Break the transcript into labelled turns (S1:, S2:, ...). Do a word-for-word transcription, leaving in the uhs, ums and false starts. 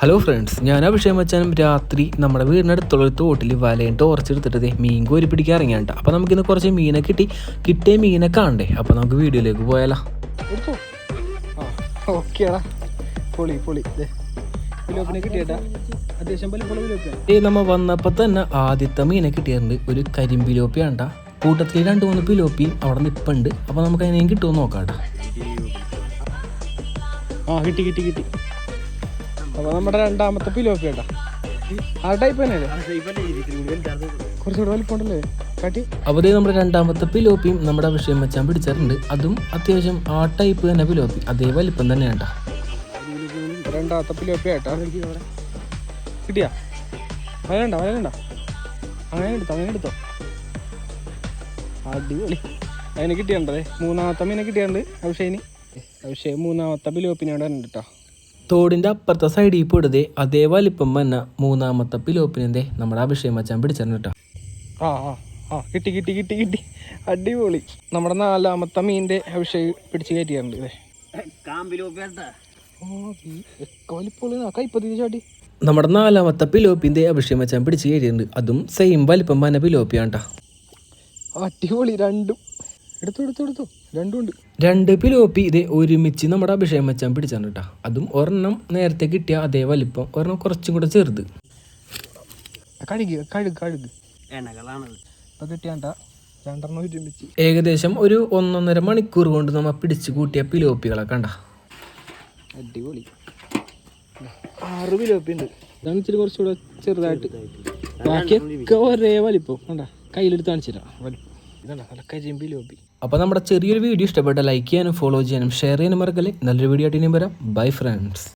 S1: Hello friends, ഞാൻ അഭിഷേകം മച്ചാനും രാത്രി നമ്മുടെ വീടിനടുത്തുള്ള ഒരു തോട്ടിൽ വലയും ടോർച്ച് എടുത്തിട്ട് മീൻ കോരി പിടിക്കാൻ ഇറങ്ങിയാണ്ട്. അപ്പോൾ നമുക്കിന്ന് കുറച്ച് മീനെ കിട്ടി. കിട്ടിയ മീനെ കാണണ്ടേ? അപ്പോൾ നമുക്ക് വീഡിയോയിലേക്ക് പോയാലോ. നമ്മ വന്നപ്പോൾ തന്നെ ആദ്യത്തെ മീനെ കിട്ടിയിട്ടുണ്ട്. ഒരു കരിമ്പിലോപ്പിയാണ്ട. കൂട്ടത്തിൽ രണ്ട് മൂന്ന് പിലോപ്പിയും അവിടെ നിൽപ്പുണ്ട്. അപ്പോൾ നമുക്ക് അതിനെയും കിട്ടുമെന്ന് നോക്കാം.
S2: ആ കിട്ടി കിട്ടി കിട്ടി അപ്പോൾ നമ്മുടെ രണ്ടാമത്തെ പിലോപ്പി കേട്ടോ. ആ ടൈപ്പ് തന്നെയല്ലേ, കുറച്ചുകൂടെ വലിപ്പമുണ്ടല്ലേ കാട്ടി.
S1: അപ്പോൾ നമ്മുടെ രണ്ടാമത്തെ പിലോപ്പിയും നമ്മുടെ അഭിഷേകം വെച്ചാൽ പിടിച്ചിട്ടുണ്ട്. അതും അത്യാവശ്യം ആ ടൈപ്പ് തന്നെ പിലോപ്പി, അതേ വലിപ്പം തന്നെ കേട്ടോ.
S2: രണ്ടാമത്തെ പിലോപ്പി കേട്ടോ. കിട്ടിയാ വയലുണ്ടോ വയലുണ്ടോ? അങ്ങനെ എടുത്തോ അങ്ങനെ എടുത്തോ അടിപൊളി. അതിനെ കിട്ടിയുണ്ടേ. മൂന്നാമത്തെ മീനെ കിട്ടിയുണ്ട് അഭിഷേകിന്. അഭിഷേക് മൂന്നാമത്തെ പിലോപ്പിനോട് തന്നെ കേട്ടോ.
S1: തോടിൻ്റെ അപ്പുറത്തെ സൈഡിൽ പോയിടതേ അതേ വലിപ്പം തന്നെ മൂന്നാമത്തെ പിലോപ്പിനെ നമ്മുടെ അഭിഷേകം മച്ചാൻ പിടിച്ചിരുന്നു കേട്ടോ.
S2: ആ ആ ആ കിട്ടി കിട്ടി കിട്ടി കിട്ടി അടിപൊളി. നമ്മുടെ നാലാമത്തെ മീനിൻ്റെ അഭിഷേക് പിടിച്ച് കയറ്റിയിട്ടുണ്ട്. ഇതേ കൈപ്പത്തി ചാട്ടി
S1: നമ്മുടെ നാലാമത്തെ പിലോപ്പിൻ്റെ അഭിഷേകം മച്ചാൻ പിടിച്ച് കയറ്റിയിട്ടുണ്ട്. അതും സെയിം വലിപ്പം തന്നെ പിലോപ്പിയാണ് കേട്ടോ.
S2: അടിപൊളി. രണ്ടും എടുത്തു എടുത്തു എടുത്തു രണ്ടും ഉണ്ട്.
S1: രണ്ട് പിലോപ്പി ഇതേ ഒരുമിച്ച് നമ്മുടെ അഭിഷേകം വെച്ചാൽ പിടിച്ചാണ് കേട്ടോ. അതും ഒരെണ്ണം നേരത്തെ കിട്ടിയ അതേ വലിപ്പം, ഒരെണ്ണം കുറച്ചും കൂടെ ചെറുത്.
S2: കഴുകി കഴുകു കഴുകു ഇപ്പം കിട്ടിയാണ്ട രണ്ടെണ്ണം ഒരുമിച്ച്.
S1: ഏകദേശം ഒരു ഒന്നൊന്നര മണിക്കൂർ കൊണ്ട് നമ്മൾ പിടിച്ച് കൂട്ടിയ പിലോപ്പികളെ കണ്ട.
S2: അടിപൊളി. ആറ് പിലോപ്പി ഉണ്ട്. ഇതാണ് ഇച്ചിരി കുറച്ചുകൂടെ ചെറുതായിട്ട്. ബാക്കിയൊക്കെ ഒരേ വലിപ്പം കണ്ട. കയ്യിലെടുത്ത് കാണിച്ചു തരാം വലിപ്പം. ഇതാണ് നല്ല കരിമ്പിലോപ്പി.
S1: അപ്പോൾ നമ്മുടെ ചെറിയൊരു വീഡിയോ ഇഷ്ടപ്പെട്ട ലൈക്ക് ചെയ്യാനും ഫോളോ ചെയ്യാനും ഷെയർ ചെയ്യാനും മറക്കല്ലേ. നല്ലൊരു വീഡിയോ ആയിട്ട് ഇനിയും വരാം. Bye friends.